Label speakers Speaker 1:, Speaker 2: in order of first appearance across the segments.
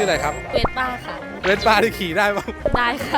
Speaker 1: ชื่ออะไรครับ
Speaker 2: เวสป้าค่ะ
Speaker 1: เวสป้าที่ขี่ได้ปะ
Speaker 2: ได้ค่ะ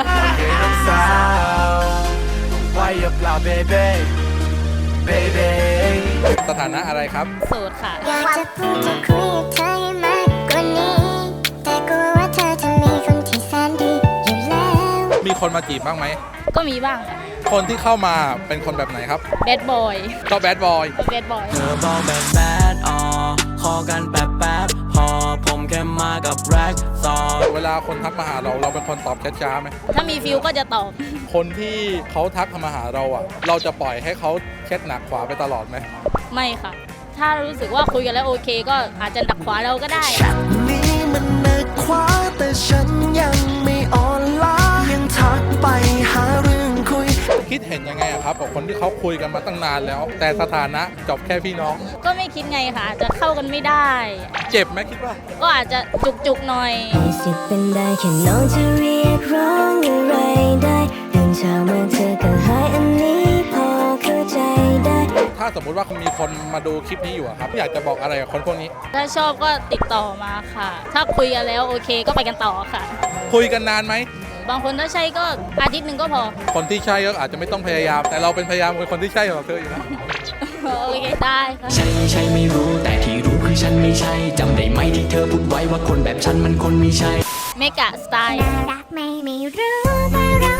Speaker 1: สถานะอะไรครับ
Speaker 2: โสดค่ะ
Speaker 3: อยากจะพูดจะคุยกับเธอให้มากกว่านี้แต่กลัวว่าเธอจะมีคนที่แสนดีอยู่แล้ว
Speaker 1: มีคนมาจีบบ้างไหม
Speaker 2: ก็มีบ้างค่ะ
Speaker 1: คนที่เข้ามาเป็นคนแบบไหนครับ
Speaker 2: แบดบอย
Speaker 1: ก็แบดบอย
Speaker 2: แบดบอย
Speaker 4: เธอบอกแบบแบดขอกันแป๊บพอผมแค่มากับแร็กซอ
Speaker 1: เวลาคนทักมาหาเราเป็นคนตอบช้าๆไหม
Speaker 2: ถ้ามีฟิลก็จะตอบ
Speaker 1: คนที่เขาทักมาหาเราอ่ะ เราจะปล่อยให้เขาเช็ดหนักขวาไปตลอดไหม
Speaker 2: ไม่ค่ะ ถ้ารู้สึกว่าคุยกันแล้วโอเค ก็อาจจะดักขวาเราก็ได้
Speaker 4: นี่มันเนึกคว้าแต่ฉันยังไม่อ่อนล้ายังทักไปหาเรื่องคุย
Speaker 1: คิดเห็นยังไงอะครับกับคนที่เขาคุยกันมาตั้งนานแล้ว แต่สถานะจบแค่พี่น้อง
Speaker 2: ก็ไม่คิดไงค่ะอาจจะเข้ากันไม่ได้
Speaker 1: เจ็บไหมคิดว่า
Speaker 2: ก็อาจจะจุกๆหน่อย
Speaker 3: มีสิทธิ์เป็นได้แค่น้องจะเรียกร้องอะไรได้เรื่องเช้ามาเธอก็หายอันนี้พอเข้าใจได้
Speaker 1: ถ้าสมมุติว่ามีคนมาดูคลิปนี้อยู่อะครับอยากจะบอกอะไรกับคนพวกนี้
Speaker 2: ถ้าชอบก็ติดต่อมาค่ะ ถ้าคุยกันแล้วโอเคก็ไปกันต่อค่ะ
Speaker 1: คุยกันนานไหม
Speaker 2: บางคนถ้าใช่ก็อาทิตย์หนึ่งก็พอ
Speaker 1: คนที่ใช่ก็อาจจะไม่ต้องพยายาม แต่เราเป็นพยายามเป็นคนที่ใช่ของเธออยู่แล้ว
Speaker 2: โอเคได้ค่ะ
Speaker 4: ใช่ใช่ไม่รู้แต่ที่รู้คือฉันไม่ใช่จำได้ไหมที่เธอพูดไว้ว่าคนแบบฉันมันคนไม่ใช่
Speaker 2: เมกะสไตล์
Speaker 3: รักไม่รู้แต่เรา